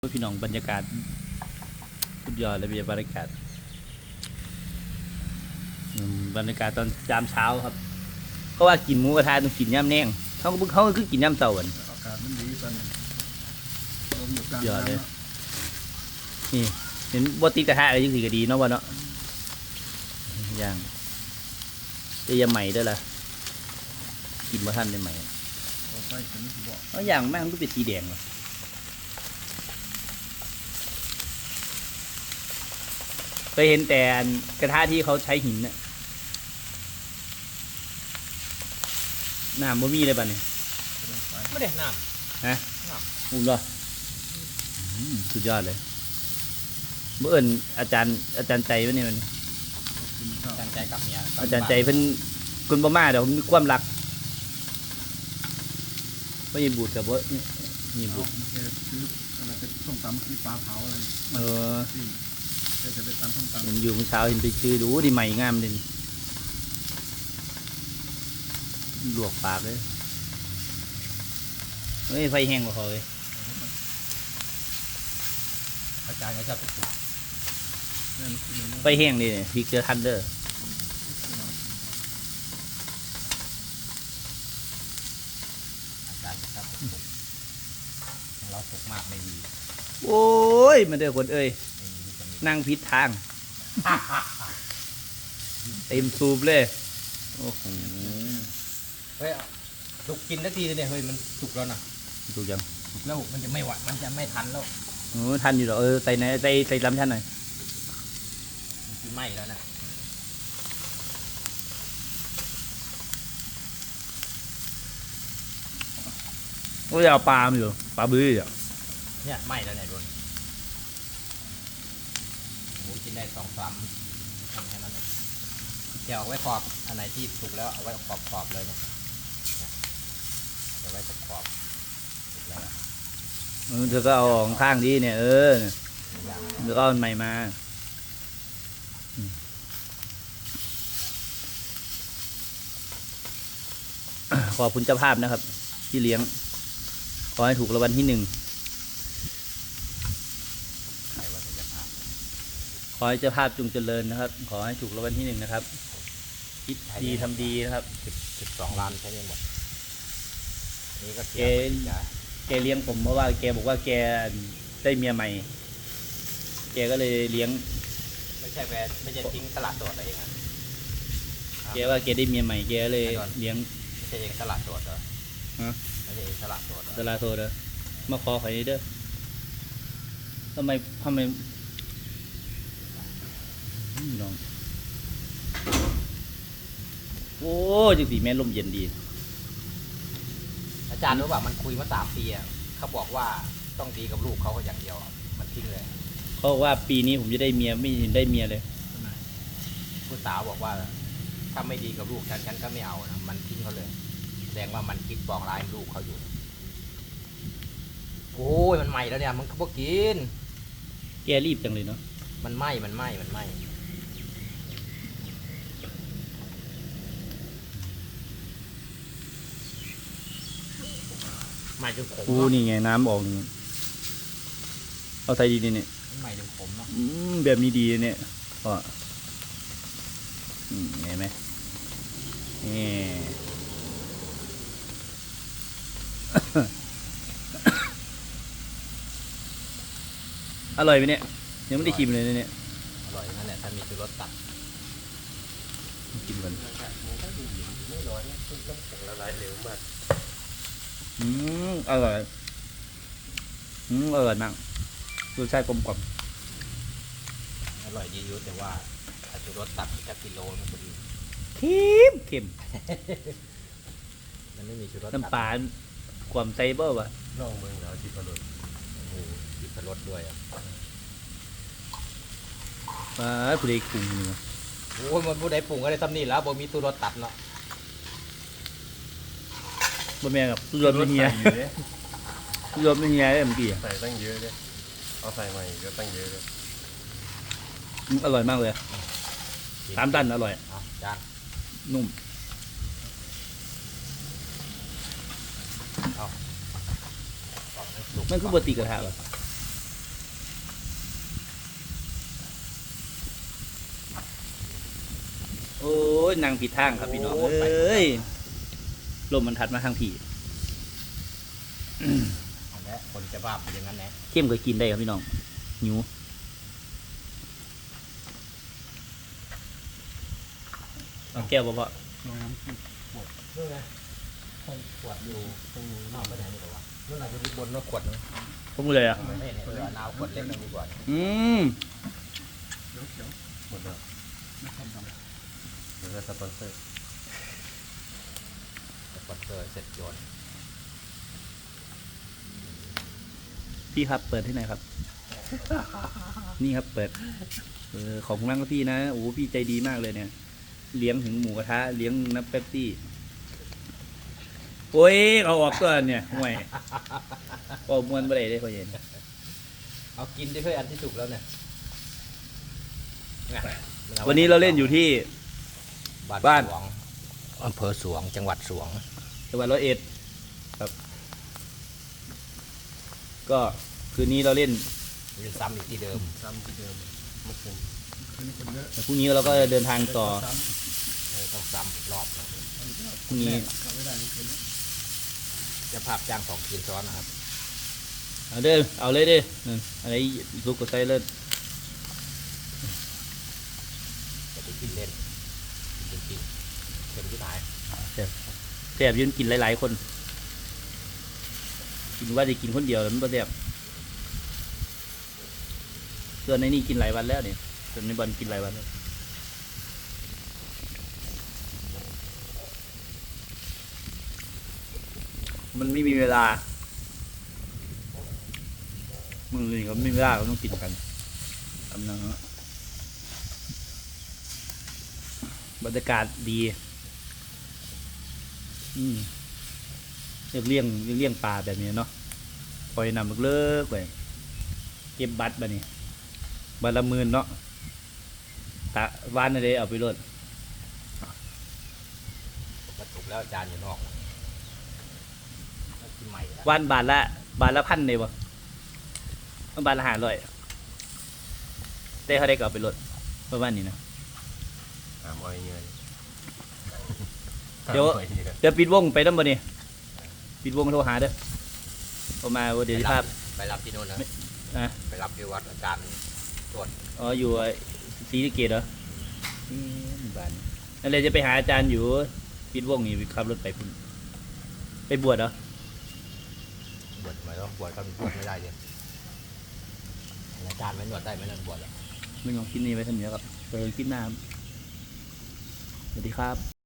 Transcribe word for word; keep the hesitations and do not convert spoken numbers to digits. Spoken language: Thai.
พี่น้องบรรยากาศสุดยอดเลยบรรยากาศบรรยากาศตอนยามเช้าครับเขาว่ากินหมูกระทะต้องกินย่ำแนงเขาก็เขาก็คือกินย่ำเต่ากันอากาศมันดีตอนนี้ลมอยู่กลางยอดเลยน้ำนี่เห็นบติกระทะอะไรยังสีก็ดีเนาะวะเนาะย่างจะยังใหม่ด้วยล่ะกินมาท่านได้ใหม่ต่อไปถึงสิบอกเพราะอย่างแม่งต้องเป็นสีแดงเลยเคยเห็นแต่กระทะที่เขาใช้หินเนี่ยน้ำบ่มีเลยป่ะเนี่ยไม่ได้น้ฮะอุ้มเหรออืมสุดยอดเลยเมื่อเอิญอาจารย์อาจารย์ใจวะเนี่ยมันำตั้งใจกับเมียอาจารย์ใจเพิ่นคุณบ่มาเดี๋ยวผมมีความรักว่ายิบูดกับว่ายิบูดโอเคคืออะไรเป็นส้มตำคือปลาเผาอะไรเออที่จะจะไปตำส้มตำเห็นอยู่เมื่อเช้าเห็นไปซื้อดูดีใหม่งามเลยลวกปากเลยเฮ้ยไฟแห้งกว่าเขาเลยอาจารย์ก็ชอบไปปลูกเนี่ยมันคือมันไฟแห้งนี่เนี่ยพริกเจอทันเดอร์อาจารย์ก็ชอบไปปลูกเราปลูกมากไม่ดีโอ้ยมาเด้อคนเอ้ยไม่มีวิตามินนั่งพิษทางเต็มซูบเลยโอ้โหเฮ้ยสุกกินนาทีเนี่ยเฮ้ยมันสุกแล้วนะถูกยังสุกแล้วมันจะไม่ไหวมันจะไม่ทันแล้วโอ้ทันอยู่หรอเออใส่ในใส่ใส่ลำชั้นหน่อยมันจะไหม้แล้วนะโอ้ยเอาปลามาอยู่ปลาบื้ออ่ะเนี่ยไหม้แล้วเนี่ยโดนหมูกินได้สองสามทำให้มันเดี๋ยวเอาไว้ขอบอันไหนที่สุกแล้วเอาไว้ขอบขอบเลยเนี่ยเนี่ยเอาไว้ขอบขอบสุกแล้วนะเออเธอก็เอาออกข้างดีเนี่ยเอออย่างเดี๋ยวก็เอาอันใหม่มาอืมขอบคุณเจ้าภาพนะครับ ที่เลี้ยง ขอให้ถูกรางวัลที่หนึ่งใครว่าจะพาขอให้เจ้าภาพจงเจริญนะครับ ขอให้ถูกรางวัลที่หนึ่งนะครับคิดดีทำดีนะครับสิบสิบสองล้านใช้ได้หมดนี่ก็เสีเกยณฑ์ไปจ้ะแกเลี้ยงผมเพราะว่าแกบอกว่าแกได้เมียใหม่ แกก็เลยเลี้ยงไม่ใช่แวไม่ใช่ทิ้งตลาดโดดอะไรเองอะแกว่าแกได้เมียใหม่แกก็เลยเลี้ยงไม่ใช่เองตลาดโดดเหรอฮะไม่ใช่เองตลาดโดดเหรอตลาโทษเด้อมาขอขอยเด้อทำไมทำไมอืมน้องโอ้จังสีแม่นลมเย็นดีอาจารย์รู้ป่ะมันคุยมาสามปีอะเขาบอกว่าต้องดีกับลูกเขาอย่างเดียวอะมันทิ้งเลยเขาบอกว่าปีนี้ผมจะได้เมียไม่เห็นได้เมียเลยผู้สาวบอกว่า ถ้าไม่ดีกับลูกฉันฉันก็ไม่เอานะมันทิ้งเขาเลยแสดงว่ามันคิดปองร้ายลูกเขาอยู่โอ้ยมันใหม่แล้วเนี่ยมันก็พวกกินแกรีบจังเลยเนาะมันไหม้มันไหม้มันไหม้ไหม้จนขมกูเนาะนี่ไงน้ำออกนี่เอาใส่ดีนี่เนี่ยไหม้จนขมเนาะอืมแบบนี้ดีเนี่ยก็อืมเห็นไหมนี่ อร่อยไหมเนี่ยยังไม่ได้ชิมเลยเนี่ยอร่อยนั่นแหละถ้ามีชูรสตัดกินก่อนไม่ร้อนคือน้ำแข็งละลายเร็วมากอืมอร่อยอืมอร่อยมากรสชาติกลมกล่อมอร่อยดีอยู่แต่ว่าถ้าชูรสตัดอีกสักกิโลมันก็ดีเค็มเค็มมันไม่มีชูรสตัดน้ำปลาความไซเบอร์วะลองเมืองแล้วที่พรสโอ้โหที่พรสด้วยอ่ะปลาผู้ใดกรุงนี่วะโอ้ยมันผู้ใดปรุงก็ได้ซ้ำนี่แล้วบ่มีชูรสตัดเนาะบะแม่กับรวมไม่เฮียรวมไม่เฮียได้เมื่อกี้อะใส่ตั้งเยอะเลยเอาใส่ใหม่ก็ตั้งเยอะเลยอืมอร่อยมากเลยสามตันอร่อยเอาจานนุ่มเอาปอกให้สุกมันคือบะติกระทะวะยนางผิดทางครับพี่น้องเอ้ยลมมันทัดมาทางผีอันนี้คนจะบ้าเป็นอย่างนั้นแหละเข้มก็กินได้ครับพี่น้องหิวเอาแก้วบ่พอลองน้ำจิ้มนู่นไงห้องขวดอยู่ตรงนอกไปไหนนี่หรอวะนู่นอาจจะมีบนว่าขวดนึงผมเลยอ่ะไม่เนี่ยเออเอาขวดเล็กนึงดีกว่าอืมเขียวเขียวหมดแล้วไม่ทำดำเดี๋ยวจะสปอนเซอร์ขวดเกิดเสร็จโยนพี่ครับเปิดที่ไหนครับ นี่ครับเปิดเออของคุณนั่งก็พี่นะโอ้พี่ใจดีมากเลยเนี่ยเลี้ยงถึงหมูกระทะเลี้ยงน้ำเป๊ปซี่โอ้ยเอาออกตัวเนี่ยห่วยพอมวนไปเลยได้พอเย็นเอากินได้เพื่ออันที่สุกแล้วเนี่ยวันนี้เราเล่นอยู่ที่ บ้าบ้าน นสวงอำเภอสวงจังหวัดสวงจังหวัดร้อยเอ็ดครับ ก็คืนนี้เราเล่นเรียนซ้ำอีกที่เดิมซ้ำที่เดิมเมื่อคืนคืนนี้คนเยอะแต่พรุ่งนี้เราก็เดินทางต่อซ้เออต้องซ้ำอีกรอบนะพรุ่งนี้ำกลับไม่ได้คืนนี้จะภาพจ้างสองคืนซ้อนนะครับเอาเด้อเอาเลยเด้อเอออะไรลุกก็ใส่เลยจะไปกินเล่นกินจริงๆเป็นที่ไหนแซ่บยืนกินหลายๆคน กินว่าจะกินคนเดียวแล้วมันก็แซ่บส่วนในนี่กินหลายวันแล้วเนี่ยส่วนในบอลกินหลายวันแล้วมันไม่มีเวลามึงนี่ก็ไม่มีเวลาเราต้องกินกันกำลังบรรยากาศดี อืมเรียกเลี้ยงเรียกเลี้ยงปลาแบบนี้เนาะปล่อยนำเลิกๆไปเก็บบัตรบะนี่บัตรละหมื่นเนาะตะวานอะไรเอาไปรดมาถูกแล้วอาจารย์อยู่นอกแล้วกินใหม่แล้ววานบาทละบาทละพันเลยบ่บาทละห้าร้อยแต่เขาได้ก็เอาไปรดประมาณนี้นะหามอ้อยเงี้ยเดี๋ยวหามอ้อเงี้ยเดี๋ยวปิดวงไปน้ำบ่นี่ปิดวงโทรหาเด้อพอมาเดี๋ยวที่ภาพไปรับที่นู่นนะอ่ะไปรับที่วัดอาจารย์ตรวจอ๋ออยู่ไอ้ศรีสะเกษเหรออืมบ้านนั่นเลยจะไปหาอาจารย์อยู่ปิดวงนี่ขับรถไปพุ่นไปบวชเหรอบวชทำไมต้องบวชก็บวชไม่ได้เลยอาจารย์ไม่นวดได้ไหมนั่นบวชอะไม่ลองคิดนี้ไว้ท่านเนี้ยครับเจอคิดหน้าครับสวัสดีครับ